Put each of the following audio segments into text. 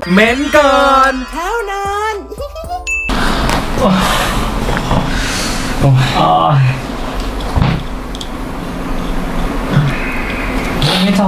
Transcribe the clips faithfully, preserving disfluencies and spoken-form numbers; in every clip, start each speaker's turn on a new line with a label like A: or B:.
A: เม้นก่อน
B: เท่านั้น
C: ไม่จบ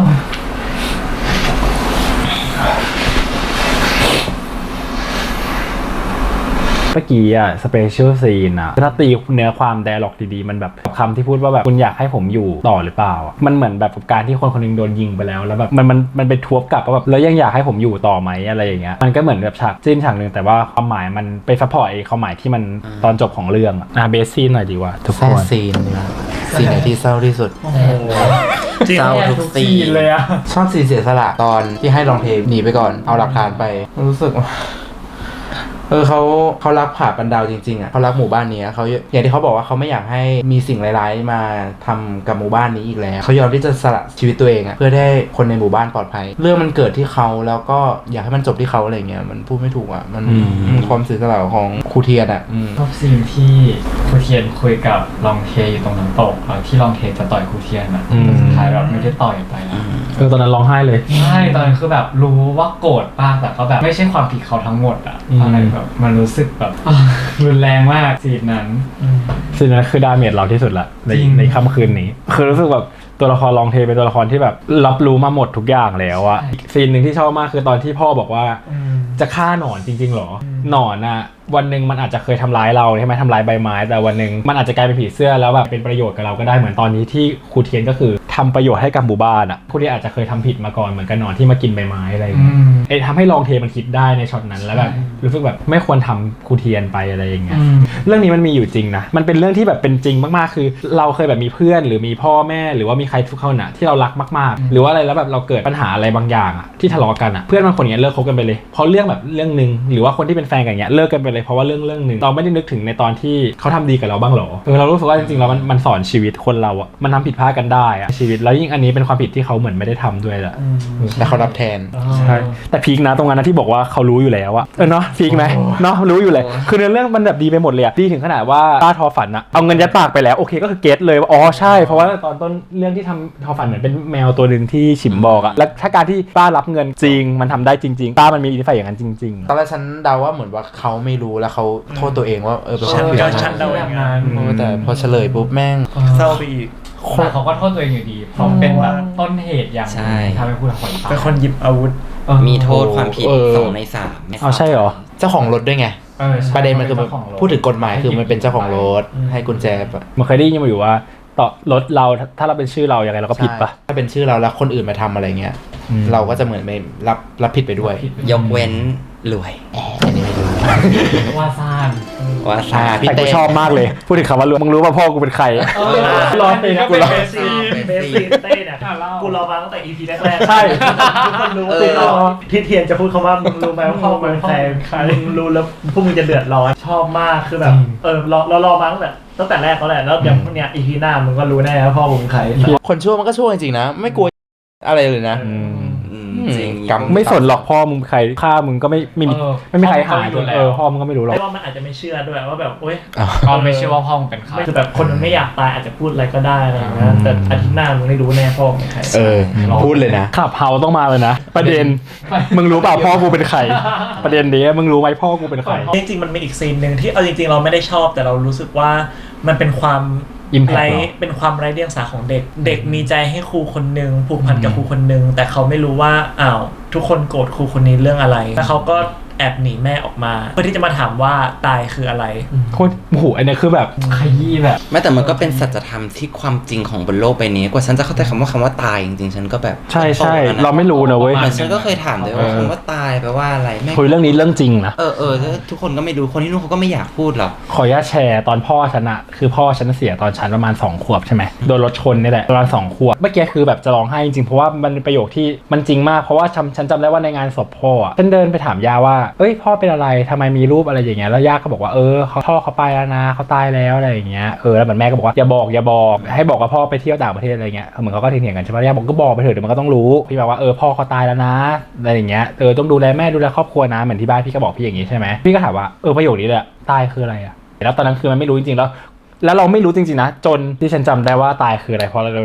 C: เมื่อกี้อะสเปเชียลซีนอะถ้าตีเนื้อความไดอะล็อกดีๆมันแบบคำที่พูดว่าแบบคุณอยากให้ผมอยู่ต่อหรือเปล่ามันเหมือนแบบการที่คนคนนึงโดนยิงไปแล้วแล้วแบบมันมันมันไปทวบกลับว่าแบบแล้วยังอยากให้ผมอยู่ต่อไหมอะไรอย่างเงี้ยมันก็เหมือนแบบฉากจิ้นฉากนึงแต่ว่าความหมายมันไปซัพพอร์ตไอ้ความหมายที่มันตอนจบของเรื่องอะเบสซีนหน่อยดีกว่าทุกคน
D: ซีนนะซีนไหนที่เศร้าที่สุดเศร้าทุกซีน
C: เลยอะ
D: ชอบซีนเสียสละตอนที่ให้ลองเทหนีไปก่อนเอาหลักฐานไปรู้สึกเออเขาเขารักผาปันดาวจริงๆอ่ะเขารักหมู่บ้านนี้เขาอย่างที่เขาบอกว่าเขาไม่อยากให้มีสิ่งร้ายๆมาทำกับหมู่บ้านนี้อีกแล้วเขายอมที่จะสละชีวิตตัวเองอ่ะเพื่อให้คนในหมู่บ้านปลอดภัยเรื่องมันเกิดที่เขาแล้วก็อยากให้มันจบที่เขาอะไรเงี้ยมันพูดไม่ถูกอ่ะมันความเสียสละของครูเทียนอ่ะ
C: ชอบซีนที่ครูเทียนคุยกับลองเทอยู่ตรงน้ำตกที่ลองเทจะต่อยครูเทียนอ่ะสุดท้ายแบบไม่ได้ต่อยไปแล้ว
A: เออตอนนั้นร้องไห้เลย
C: ใช่ตอนนั้นคือแบบรู้ว่าโกรธมากแต่ก็แบบไม่ใช่ความผิดเขาทั้งหมดอ่ะอะไรแบบมันรู้สึกแบบรุนแรงมากซีนนั้น
A: ซีนนั้นคือดาเมจเราที่สุดละในในค่ำคืนนี้คือรู้สึกแบบตัวละครลองเทเป็นตัวละครที่แบบรับรู้มาหมดทุกอย่างแล้วอะซีนหนึ่งที่ชอบมากคือตอนที่พ่อบอกว่าจะฆ่าหนอนจริงๆหรอหนอนอะวันหนึ่งมันอาจจะเคยทำร้ายเราใช่ไหมทำร้ายใบไม้แต่วันหนึ่งมันอาจจะกลายเป็นผีเสื้อแล้วแบบเป็นประโยชน์กับเราก็ได้เหมือนตอนนี้ที่ครูเทียนก็คือทำประโยชน์ให้กับหมู่บ้านอะครูเทียนอาจจะเคยทำผิดมาก่อนเหมือนกับหนอนที่มากินใบไม้อะไรอย่างเงี้ยไอ้ทำให้ลองเทมันคิดได้ในช็อตนั้นแล้วแบบรู้สึกแบบไม่ควรทำครูเทียนไปอะไรอย่างเงี้ยเรื่องนี้มันมีอยู่จริงนะมันเป็นเรื่องที่แบบเป็นจริงมากๆคือเราเคยแบบมีเพื่อนหรือมีพ่อแม่หรือว่ามีใครทุกคนอะที่เรารักมากๆหรือว่าอะไรแล้วแบบเราเกิดปัญหาอะไรบางอย่างอะที่ทะเลาะกันอะเพื่อนบางคนอย่างเงี้ยเลิกคบกันไปเลยเพราะเรื่องแบบเรื่องนึงหรือว่าคนที่เป็นแฟนกันอย่างเงี้ยเลิกกันไปเลยเพราะว่าเรื่องเรื่องนึงเราไม่ได้นึกถึงในตอนที่เขาทำดีกับเราบ้างหรอเออเรารู้สึกว่าจริงๆแล้วมันมันสอนชีวิตคนเราอะมันทำผิดพลาดกันได้อะชีวิตแล้วยิ่งอันนี้เป็นความผิดที่เขาเหมือนไม่ได้ทำด้วยแหละ
D: แต่เขารับแทน
A: ใช่แต่พีคนะตรงนั้นนะที่บอกว่าเขารู้อยู่แล้วอะเออเนาะพีคไหมเนาะรู้อยู่เลยคือในเรื่องมันแบบดีไปหมดเลยอะดีถึงขนาดว่าป้าทอฝันอะเอาเงินยัดปากไปแล้วโอเคก็คือเก็ตเลยว่าอ๋อใช่เพราะว่าตอนต้นเรื่องที่ทำทอฝันเหมือนเป็นแมวตัวนึงที่ฉิมบอกอะแล้วถ้าการที่ป้ารับเงินจริงมันทำได้จริงๆป้ามันมีอิทธิพลอย่างนั้นจริง
D: ๆตอนแรกฉันเดาว่าเหมือนว่าเขาไม่รู้แล้วเขาโทษตัวเองว่าเออเป็นคนผิด
E: ฉันเดาอย่างนั้น
D: แต่พอเฉลยปุ๊บแม่ง
E: เศร้าไปอีก
C: แต่เขาก็โทษตัวเองอยู่ดีเพราะเป็นแบบต้นเหตุอย่างทำให้ผู้คน
E: เป็นคนหยิบอาวุธ
F: มีโทษความผิดสองในสาม
A: อ๋อใช่เหรอ
D: เจ้าของรถด้วยไงประเด็นมันคือพูดถึงกฎหมายคือมันเป็นเจ้าของรถให้กุญแจปะ
A: มันเคยได้ยินมาอยู่ว่าต่อรถเราถ้าเราเป็นชื่อเราอย่างไรเราก็ผิดปะ
D: ถ้าเป็นชื่อเราแล้วคนอื่นมาทำอะไรเงี้ยเราก็จะเหมือนไม่รับรับผิดไปด้วย
F: ยกเว้นรวย
D: อันนี้ไม่รู้
C: ว่าซ่าน
F: ว่าซ่าน
A: แต่กูชอบมากเลยพูดถึงคำว่ารวยมึงรู้ป่ะพ่อกูเป็นใคร
E: รอเลยนะกูรอเบสซีเต้เนี่ยกูรอมาตั้งแต่ อี พี แรกๆใช่ทุกคนรู้ว่าที่เทียนจะพูดคำว่ามึงรู้ไหมว่าพ่อมึงเป็นใครมึงรู้แล้วพวกมึงจะเดือดร้อนชอบมากคือแบบเออรอเรารอมาตั้งแต่ตั้งแต่แรกแล้วแหละแล้วอย่างพวกเนี้ย อี พี หน้ามึงก็รู้แน่ว่าพ่อมึงเป็นใคร
D: คนชั่วมันก็ชั่วจริงๆนะไม่กลัวอะไรเลยนะ
A: กรรมไม่สนหรอกพ่อมึงใครฆ่ามึงก็ไม่ไม่มีไม่มีใครหาเออพ่อมึงก็ไม่รู้หรอก
E: ไม่ว่ามันอาจจะไม่เชื่อด้วยว่าแบบโอ๊ย
C: ก็ไม่เชื่อว่าพ่อมึงเป็นใคร
E: คือแบบคนมันไม่อยากตายอาจจะพูดอะไรก็ได้อะไรอย่างเงี้ยแต่อาทิตย์หน้ามึงไม่รู้แน่พ่อมึงเป็นใคร
D: เออพูดเลยนะ
A: ขับเฮาต้องมาเลยนะประเด็นมึงรู้เปล่าพ่อกูเป็นใครประเด็นนี้มึงรู้ไหมพ่อกูเป็นใคร
E: จริงๆมันมีอีกซีนนึงที่เอาจริงๆเราไม่ได้ชอบแต่เรารู้สึกว่ามันเป็นความไรเป็นความไร้เดียงสาของเด็กเด็กมีใจให้ครูคนนึงผูกพันกับครูคนนึงแต่เขาไม่รู้ว่าอ้าวทุกคนโกรธครูคนนี้เรื่องอะไรแล้วเขาก็แอบหนีแม่ออกมาเพื่อที่จะมาถามว่าตายคืออะไร
A: โคตรโอ้โหอันนี้คือแบบขยี้แบบ
F: ไม่แต่มันก็เป็นสัจธรรมที่ความจริงของบนโลกใบนี้กว่าฉันจะเข้าใจคำว่าคำว่าตายจริงๆฉันก็แบบ
A: ใช่ใช่เราไม่รู้นะเว้ย
F: ฉันก็เคยถามด้วยว่าคำว่าตายแปลว่าอะไร
A: คุยเรื่องนี้เรื่องจริงนะ
F: เออเออทุกคนก็ไม่รู้คนที่นู่นเขาก็ไม่อยากพูดหรอก
A: ขออนุญาตแชร์ตอนพ่อฉันอะคือพ่อฉันเสียตอนฉันประมาณสองขวบใช่ไหมโดนรถชนนี่แหละประมาณสองขวบเมื่อกี้คือแบบจะร้องไห้จริงๆเพราะว่ามันเป็นประโยคที่มันจริงมากเพราะว่าฉันจำได้ว่าในงานศพพ่อฉันเดินไปถามย่าว่าเอ้ยพ่อเป็นอะไรทำไมมีรูปอะไรอย่างเงี้ยแล้วย่าก็บอกว่าเออเขาพ่อเขาไปแล้วนะเขาตายแล้วอะไรอย่างเงี้ยเออแล้วเหมือนแม่ก็บอกว่าอย่าบอกอย่าบอกให้บอกว่าพ่อไปเที่ยวต่างประเทศอะไรเงี้ยเหมือนเขาก็เถียงกันใช่ไหมย่าบอกก็บอกไปเถอะเดี๋ยวมันก็ต้องรู้พี่บอกว่าเออพ่อเขาตายแล้วนะอะไรอย่างเงี้ยเออต้องดูแลแม่ดูแลครอบครัวนะเหมือนที่บ้านพี่ก็บอกพี่อย่างงี้ใช่ไหมพี่ก็ถามว่าเออประโยคนี้แหละตายคืออะไรอะแล้วตอนนั้นคือมันไม่รู้จริงๆแล้วแล้วเราไม่รู้จริงๆนะจนที่ฉันจำได้ว่าตายคืออะไรเพราะอะไรรู้ไหม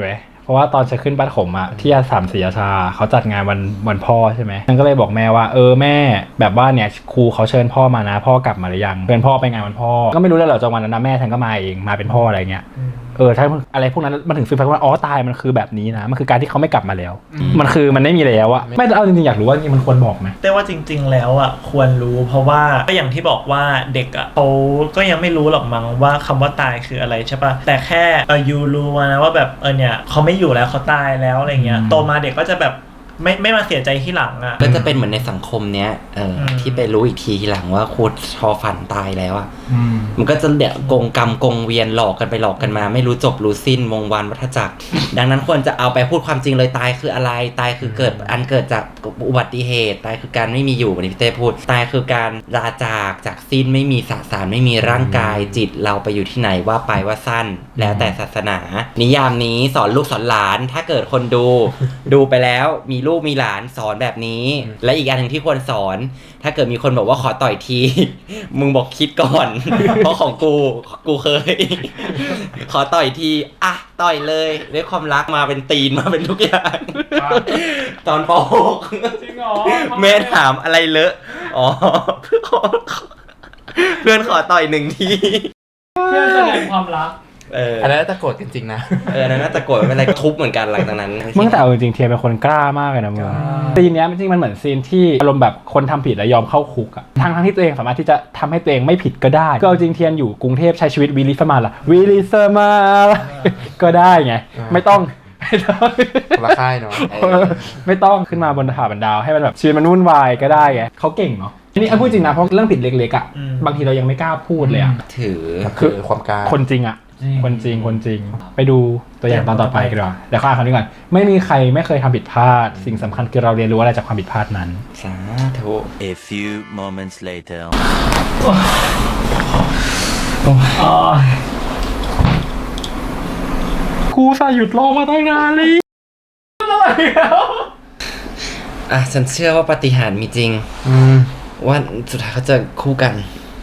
C: เพราะว่าตอนฉันขึ้นบ้านขมอะที่อาสามศรีราชาเขาจัดงานวันวันพ่อใช่ไหมฉันก็เลยบอกแม่ว่าเออแม่แบบว่าเนี่ยครูเขาเชิญพ่อมานะพ่อกลับมาหรือยังเชิญพ่อไปงานวันพ่อก็ไม่รู้เลยเหรอจังหวะนั้นนะแม่ฉันก็มาเองมาเป็นพ่ออะไรเงี้ยเออถ้าอะไรพวกนั้นมันถึงสื่อไปว่าอ๋อตายมันคือแบบนี้นะมันคือการที่เขาไม่กลับมาแล้ว มันคือมันไม่มีแล้วอะไม่เอาจริงๆอยากรู้ว่านี่มันควรบอกไหม
E: แต่ว่าจริง ๆ แล้วอ่ะควรรู้เพราะว่าก็อย่างที่บอกว่าเด็กอ่ะเขาก็ยังไม่รู้หรอกมั้งว่าคำว่าตายคืออะไรใช่ปะแต่แค่เออยูรู้นะว่าแบบเออเนี่ยเขาไม่อยู่แล้วเขาตายแล้วอะไรเงี้ยโตมาเด็กก็จะแบบไม่ไม่มาเสียใจที่หลังอ่ะ
F: ก็จะเป็นเหมือนในสังคมเนี้ยเอออ
E: ม
F: ที่ไปรู้อีกทีทีหลังว่าครูชอฝันตายแล้วอ่ะมันก็จะเดี๋ยวกงกรรมกงเวียนหลอกกันไปหลอกกันมา ไม่รู้จบรู้สิ้นวงวานวัฏจักร ดังนั้นควรจะเอาไปพูดความจริงเลยตายคืออะไรตายคือเกิดอันเกิดจากอุบัติเหตุตายคือการไม่มีอยู่วันนี้พี่เต้พูดตายคือการลาจากจากสิ้นไม่มีสสารไม่มีร่างกายจิตเราไปอยู่ที่ไหนว่าไปว่าสั้น แล้วแต่ศาสนา นิยามนี้สอนลูกสอนหลานถ้าเกิดคนดู ดูไปแล้วมีลูกมีหลานสอนแบบนี้ และอีกอันหนึ่งที่ควรสอน ถ้าเกิดมีคนบอกว่าขอต่อยที มึงบอกคิดก่อน เพราะของกูกูเคย ขอต่อยทีอ่ะต่อยเลยด้วยความรักมาเป็นตีนมาเป็นทุกอย่าง ตอนป .หก
C: จริงเหรอ
F: แม่ถามอะไรเลอะอ๋อเพื่อนขอเพื่อนขอต่อยหนึ่งที
C: เพื่อแสดงความรัก
F: เออ
D: อันนั้นจะโกรธกันจริงนะ
F: เออนั่นน่าจะโกรธไม่เป็นไรทุบเหมือนกันหลังจากนั้น
C: มึงแต่เอาจริงๆเทียเป็นคนกล้ามากเลยนะมึงซีนเนี้ยจริงๆมันเหมือนซีนที่อารมณ์แบบคนทำผิดแล้วยอมเข้าคุกอะทั้งทั้งที่ตัวเองสามารถที่จะทำให้ตัวเองไม่ผิดก็ได้ก็เอาจริงเทียนอยู่กรุงเทพใช้ชีวิตวิลิสมาล่ะวิลิสมาก็ได้ไงไม่ต้องไม่ต้อง
D: คนละค่ายเนาะ
C: ไม่ต้องขึ้นมาบนถาบันดาวให้มันแบบชีวิตมันวุ่นวายก็ได้ไงเขาเก่งเนาะอันนี้พูดจริงนะเพราะเรื่องผิดเล็กๆอะบางทีเรายังไม่กล้าพูดเลยอะ
F: ถือ
D: คือความกล้า
C: คนจริงอะคนจริงคนจริงไปดูตัวอย่างตอนต่อไปกันดีกว่าเดี๋ยวข้าคำนี้ก่อนไม่มีใครไม่เคยทำผิดพลาดสิ่งสำคัญคือเราเรียนรู้อะไรจากความผิดพลาดนั้น
F: สาธุ
B: A few moments later.
C: กูสาหยุดรอมาตั้งนานเลย
F: อ่ะฉันเชื่อว่าปาฏิหาริย์มีจริง
D: อืม
F: ว่าสุดท้ายเขาจะคู่กัน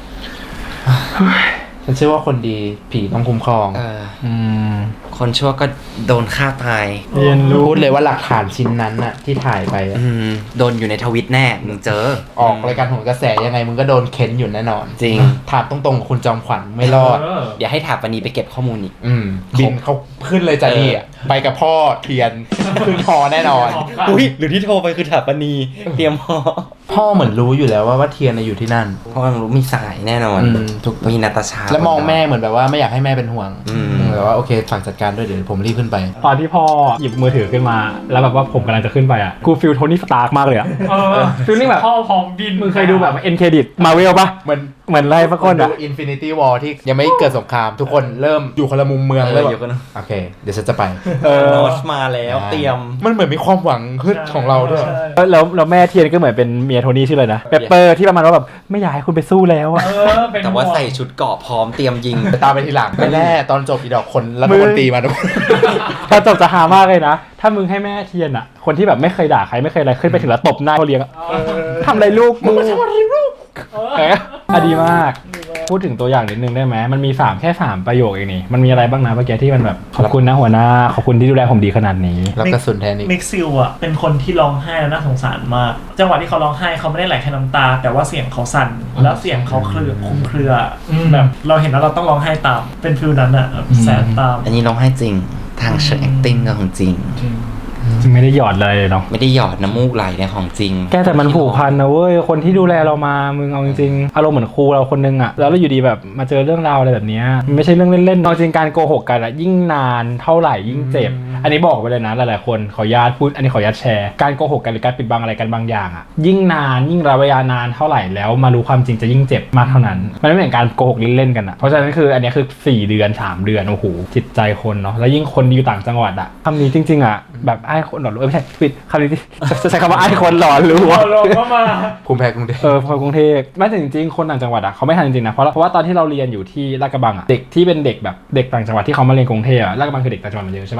D: ฉันเชื่อว่าคนดีผีต้องคุ้มครอง
F: เออ
C: อืม
F: คนชั่วก็โดนฆ่าตาย
C: เรียนรู้
D: พูดเลยว่าหลักฐานชิ้นนั้นน่ะที่ถ่ายไปอะ
F: อืมโดนอยู่ในทวิตแน่มึงเจอ
D: ออกรายการโหนกระแสยังไงมึงก็โดนเค้นอยู่แน่นอน
F: จริง
D: ถามตรงๆกับคุณจอมขวัญไม่รอด
F: เดี๋ยวให้ถาปนีไปเก็บข้อมูลอีก
D: อืมบินเขาขึ้นเลยจ้ะนี่อะไปกับพ่อเทียน ขึ้นพอแน่นอน
F: อุ้ยหรือที่โทรไปคือถาปนีเตรียมพอ
D: พ่อเหมือนรู้อยู่แล้วว่าว่าเทียนน่ะอยู่ที่นั่น
F: เพราะว่ารู้มีสายแน่นอน
D: อืมถูก
F: มีนาตาชา
D: แล้วมองแม่เหมือนแบบว่าไม่อยากให้แม่เป็นห่วง
F: อืม
D: แบบว่าโอเคฝากจัดการด้วยเดี๋ยวผมรีบขึ้นไป
C: ตอนที่พ่อหยิบมือถือขึ้นมา แล้วแบบว่าผมกำลังจะขึ้นไปอ่ะกูฟิลโทนี่สตาร์กมากเลยอ่ะฟิลลิ่งแบบพ่อพร้อมบินมึงเคยดูแบบเอ็นเครดิตมาเวลปะ
D: เหมือน
C: เหมือนไรสักคน
D: ดู
C: อ่ะ
D: Infinity War ที่ยังไม่เกิดสงคราม ทุกคนเริ่มอยู่คนละมุมเมือง
F: เออ
D: เริ่ม
F: อยู่คนละ
D: โอเค เดี๋ยวฉันจะไป
C: เออ
F: โนตมาแล้วเตรียม
D: มันเหมือนมีความหวังขึ้นของเราด้วย
C: แล้วแล้วแม่เทียนก็เหมือนเป็นเมียโทนี่ชื่ออะไรนะเปปเปอร์ที่ประมาณว่าแบบไม่อยากให้คุณไปสู้แล้วอ่ะ
F: แต่ว่าใส่ชุดเกราะพร้อมเตรียมยิง
D: ตามไปทีหลังแน่ๆตอนจบอีดอกคนรัฐมนตรีมาด้วย
C: ตอนจบจะหามากเลยนะ ถ้ามึงให้แม่เทียนอ่ะ คนที่แบบไม่เคยด่าใครไม่เคยอะไรขึ้นไปถึงแล้วตบหน้าเขาเลี้ยงอะทำอะไรลูกมึงทำอะไรลูกเอออ่ะดีมาก พูดถึงตัวอย่างนิดนึงได้ไหมมันมีสามแค่สามประโยคเองนี่มันมีอะไรบ้างนะเมื่อกี้ที่มันแบบขอบคุณนะหัวหน้าขอบคุณที่ดูแลผมดีขนาดนี้
D: รับกระสุนแทนอีก
E: มิกซิลอ่ะเป็นคนที่ร้องไห้แล้วน่าสงสารมาก จังหวะที่เขาร้องไห้เขาไม่ได้ไหลแค่น้ำตา แต่ว่าเสียงเขาสั่นแล้วเสียงเขาเครือคลุมเครืออแบบเราเห็นแล้วเราต้องร้องไห้ตามเป็นฟิลนั้นอ่ะแบบแสบตาม
F: อันนี้ร้องไห้จริง ทางเชิง acting ก็ของจริง
C: จริงไม่ได้หยอดอะไรเลยเนาะ
F: ไม่ได้หยอดน้ำมูกไหลในของจริง
C: แกแต่มันผูกพันนะเว้ยคนที่ดูแลเรามามึงเอาจริงๆอารมณ์เหมือนครูเราคนนึงอะแล้วเราอยู่ดีแบบมาเจอเรื่องราวอะไรแบบเนี้ยมันไม่ใช่เรื่องเล่นๆเอาจริงการโกหกกันอะยิ่งนานเท่าไหร่ยิ่งเจ็บ อันนี้บอกไปเลยนะหลายๆคนขออนุญาตพูดอันนี้ขออนุญาตแชร์การโกหกกันหรือการปิดบังอะไรกันบางอย่างอะยิ่งนานยิ่งระยะนานเท่าไหร่แล้วมารู้ความจริงจะยิ่งเจ็บมากเท่านั้นมันไม่เหมือนการโกหกเล่นๆกันอะเพราะฉะนั้นคืออันนี้คือสี่เดือนสามเดือนโอ้โหจิตใจคนเนาะแล้วยิ่งคนอยู่ต่างจังหวัดอะคำนี้จริงๆอะแบบไอ้คนหลอนรู้ไม่ใช่ผิดคำนี้จะใช้คำว่าไอ้คนหลอนรู้
D: ภูมิแพ้กรุงเทพ
C: เออพอกรุงเทพไม่แต่จริงๆคนต่างจังหวัดอ่ะเขาไม่ทันจริงๆนะเพราะเพราะว่าตอนที่เราเรียนอยู่ที่ลาดกระบังอ่ะเด็กที่เป็นเด็กแบบเด็กต่างจังหวัดที่เขามาเรียนกรุงเทพอ่ะลาดกระบังคือเด็กต่างจังหวัดมาเยอะใช่ปะจะมาเรียน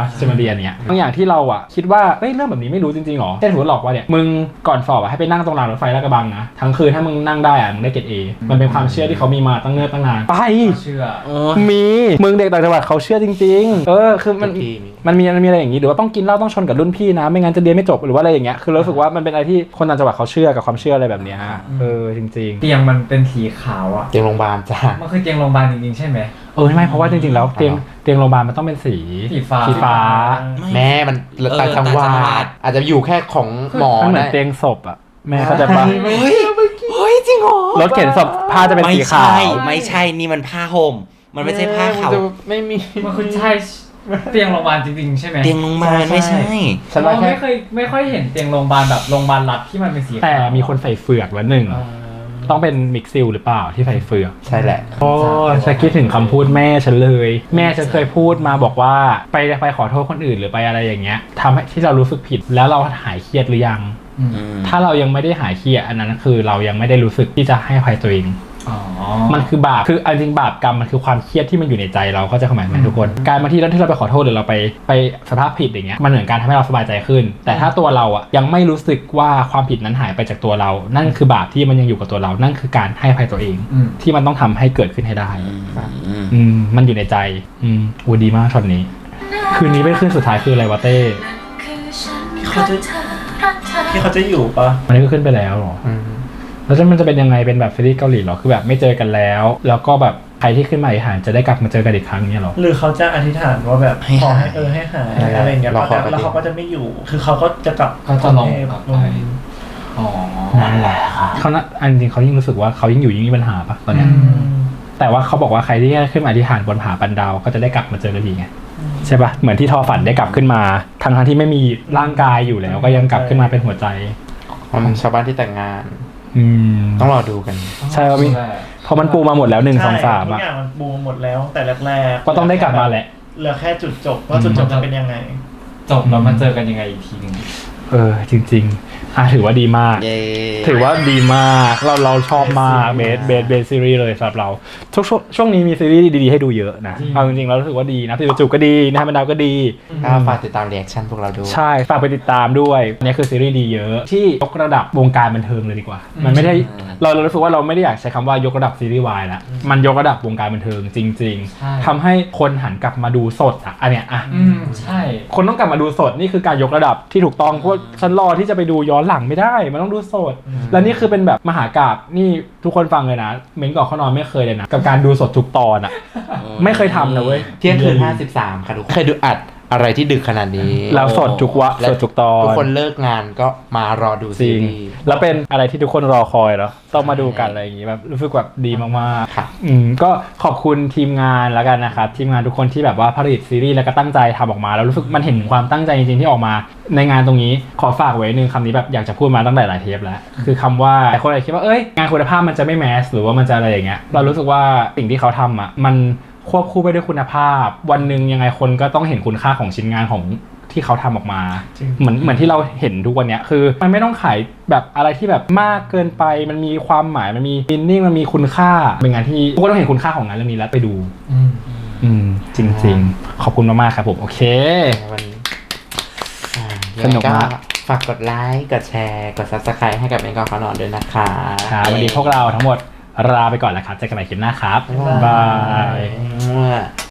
C: อันเนี้ยบางอย่างที่เราอะคิดว่าเฮ้ยเรื่องแบบนี้ไม่รู้จริงๆหรอเช่นสมมติหลอกว่าเนี่ยมึงก่อนสอบอะให้ไปนั่งตรงรางรถไฟลาดกระบังนะทั้งคืนถ้ามึงนั่งได้อะมึงได้เกรด A มันเป็นความเชื่อที่เขามีมาตั้งเนิ่นตั้งนานไป
A: เชื่อ
C: มีมึงเด็กต่างจังหวัดเขาเชื่อจริงๆเออคือมัน
D: ทุกที่มี
C: มันมีมันมีอะไรอย่างนี้หรือว่าต้องกินเหล้าต้องชนกับรุ่นพี่นะไม่งั้นจะเรียนไม่จบหรือว่าอะไรอย่างเงี้ยคือรู้สึกว่ามันเป็นอะไรที่คนต่างจังหวัดเขาเชื่อกับความเชื่ออะไรแบบเนี้ยเออจริง
A: ๆเตียงมันเป็นสีขาวอ่ะ
D: เตียงโรงพยาบาลจ้า
A: มันคือเตียงโรงพยาบาลจริงๆใช่ไหม
C: เออไม่เพราะว่าจริงๆแล้วเตียงเตียงโรงพยาบาลมันต้องเป็นสี
A: สีฟ้า
C: สีฟ้า
D: แม่มันต่างจังหวัดอาจจะอยู่แค่ของหมอ
C: มันเหมือน
D: ได้
C: เตียงศพอ่ะแม่เข้าใจปะ
F: เฮ้ยเฮ้ยจริงเหรอ
C: รถเข็นศพผ้าจะเป็น
F: ไม่
C: สีขา
F: ใช่
C: ว
F: ไม่ใช่นี่มันผ้าห่มมันไม่ใช่ผ้าขาว
D: จะไม่มี
A: มันคือใช่เตียงโรงพยาบาลจริงๆใช่ไหม
F: เตียงลงมาลไม่ใช่
C: ฉัน
A: เรา
C: ว่าแค่
A: ไม่เคยไม่ค่อยเห็นเตียงโรงพยาบาลแบบโรงพยาบาลรัฐที่มันเป็นสีขาว
C: แต่มีคนใส่เฟือกแล้วหนึ่งต้องเป็นมิกซิลหรือเปล่าที่ใส่เฟือก
D: ใช่แหละ
C: โอ้ฉันคิดถึงคำพูดแม่ฉันเลย แม่ฉันเคยพูดมาบอกว่าไปไปขอโทษคนอื่นหรือไปอะไรอย่างเงี้ยทำให้ที่เรารู้สึกผิดแล้วเราหายเครียดหรือยัง
F: อืม
C: ถ้าเรายังไม่ได้หายเครียดอันนั้นคือเรายังไม่ได้รู้สึกที่จะให้อภัยตัวเอง
A: อ๋อ
C: มันคือบาปคือเอาจริงบาปกรรมมันคือความเครียดที่มันอยู่ในใจเราเข้าใจความหมายไหมทุกคน การมาที่เราที่เราไปขอโทษหรือเราไปไปสภาพผิดอย่างเงี้ยมันเหมือนการทำให้เราสบายใจขึ้น แต่ถ้าตัวเราอ่ะยังไม่รู้สึกว่าความผิดนั้นหายไปจากตัวเรา นั่นคือบาปที่มันยังอยู่กับตัวเรา นั่นคือการให้อภัยตัวเอง
A: อืม
C: ที่มันต้องทำให้เกิดขึ้นให้ได้
F: อืม
C: อืมมันอยู่ในใจอืมอูดีมากช็อตนี้ คืนนี้เป็นคืนสุดท้ายคืออะไรวะเต้
E: เขาจะที่เขาจะอยู่ปะ
C: มันนี้ก็ขึ้นไปแล้วเหรอ
D: อืม
C: แล้วจะมันจะเป็นยังไงเป็นแบบซีรีส์เกาหลีเหรอคือแบบไม่เจอกันแล้ว แล้วก็แบบใครที่ขึ้นมาอีกหานจะได้กลับมาเจอกันอีกครั้งเนี่ยเหรอ
E: หรือเขาจะอธิษฐานว่าแบบ
F: ให้
E: ขอ
F: หาย
E: ให้เออให้หาย
D: ให้หาย
E: อะไรอย่างเงี้ย
D: เราขอ
E: แล้วเขาก็จะไม่อยู่ คือเขาก็จะกลับ
A: เขาจะลง
E: กรุเทพ
A: กลับ
E: ล
A: ไป
E: ง
A: อ๋อ
C: นั่นแหละเขาน่ะอันจริงเขายิ่งรู้สึกว่าเขายิ่งอยู่ยิ่งมีปัญหาปะตอน
E: อื
C: เนี้ย
E: ม
C: แต่ว่าเขาบอกว่าใครที่ขึ้นมาอธิษฐานบนผาปันดาวก็จะได้กลับมาเจอกันอีกไงใช่ปะเหมือนที่ทอฝันได้กลับขึ้นมาทั้งทั้งๆที่ไม่มีร่างกายอยู่แล้ว ก็ยังกลับขึ้นมาเป็นหัวใจ
D: มันชาวบ้านที่แต่งงาน
C: อืม
D: ต้องรอดูกัน
C: ใช่ว่ามีพอมันปูมาหมดแล้วหนึ่งสองสาม
E: ทุ
C: อ่ะ
E: กอย่างมันบูมหมดแล้วแต่แรกๆ
C: ก็ต้องได้กลับมาแหละ
E: เหลือแค่จุดจบว่าจุดจบจะเป็นยังไง
A: จบแล้วมาเจอกันยังไงอีกทีหนึง
C: เออจริงๆอ่ะถือว่าดีมาก
F: เย้
C: ถือว่าดีมากเราเราชอบมากเบสเบสเบสซีรีส์เลยสำหรับเราทุกช่วงช่วงนี้มีซีรีส์ดีๆให้ดูเยอะนะเอาจริงๆเรารู้สึกว่าดีนะพี่จูก็ดีนะมันดาวก็ดี
D: ก็ฝากติดตามเรีแอคชั่นพวกเราด้วย
C: ใช่ฝากไปติดตามด้วยเนี่ยคือซีรีส์ดีเยอะที่ยกระดับวงการบันเทิงเลยดีกว่า มันไม่ได้เราเรารู้สึกว่าเราไม่ได้อยากใช้คำว่ายกระดับซีรีส์วายละมันยกระดับวงการบันเทิงจริง
A: ใช่
C: ๆทำให้คนหันกลับมาดูสดอ่ะอันเนี้ยอ่ะ
A: อืมใช่
C: คนต้องกลับมาดูสดนี่คือการยกระดับที่ถูกต้องเพราะฉันรอที่จะไปดูย้อนหลังไม่ได้มันต้องดูสด และนี่คือเป็นแบบมหากาพย์นี่ทุกคนฟังเลยนะเม้นก่อนเข้านอนไม่เคยเลยนะกับการดูสดทุกตอนอ่ะไม่เคยทำนะเว้ย
D: เที่ยงคืนห้าสิบสามค่ะทุกคนเคยดูอัดอะไรที่ดึกขนาดนี้
C: แล้วสดทุกวะ
D: และ
C: สดทุกตอน
D: ทุกคนเลิกงานก็มารอดู
C: จ
D: ซี
C: ริง
D: รีส์
C: แล้วเป็นอะไรที่ทุกคนรอคอยแล้วต้องมาดูกันอะไรอย่างงี้แบบรู้สึกแบบดีมากๆ
D: ค่ะ
C: อืมก็ขอบคุณทีมงานแล้วกันนะครับทีมงานทุกคนที่แบบว่าผลิตซีรีส์แล้วก็ตั้งใจทำออกมาแล้วรู้สึกมันเห็นความตั้งใจจริงๆที่ออกมาในงานตรงนี้ขอฝากไว้หนึ่งคำนี้แบบอยากจะพูดมาตั้งแต่หลายเทปแล้วคือคำว่าหลายคนอาจจะคิดว่าเอ้ยงานคุณภาพมันจะไม่แมสหรือว่ามันจะอะไรอย่างเงี้ยเรารู้สึกว่าสิ่งที่เขาทำอ่ะมันควบคู่ไปด้วยคุณภาพ วันหนึ่งยังไงคนก็ต้องเห็นคุณค่าของชิ้นงานของที่เขาทำออกมา
E: จริง
C: เหมือนเหมือนที่เราเห็นทุกวันเนี้ยคือมันไม่ต้องขายแบบอะไรที่แบบมากเกินไปมันมีความหมายมันมีมินนิ่งมันมีคุณค่าเป็นงานที่ทุกคนต้องเห็นคุณค่าของงานเรื่องนี้แล้วไปดู
A: อืม
C: อืมจริง ๆ ขอบคุณมากๆครับผมโอเค
D: วันนี้อ่า
C: สนุกมาก
D: ยังไงฝากกดไลค์กดแชร์กด ซับสไครบ์ ให้กับเอ็นกอขอนอนด้วยนะคะ
C: ครับวันนี้พวกเราทั้งหมดลาไปก่อนแล้วครับเจอกันใหม่คลิปหน้าครับ
D: บ๊ายบาย
C: บาย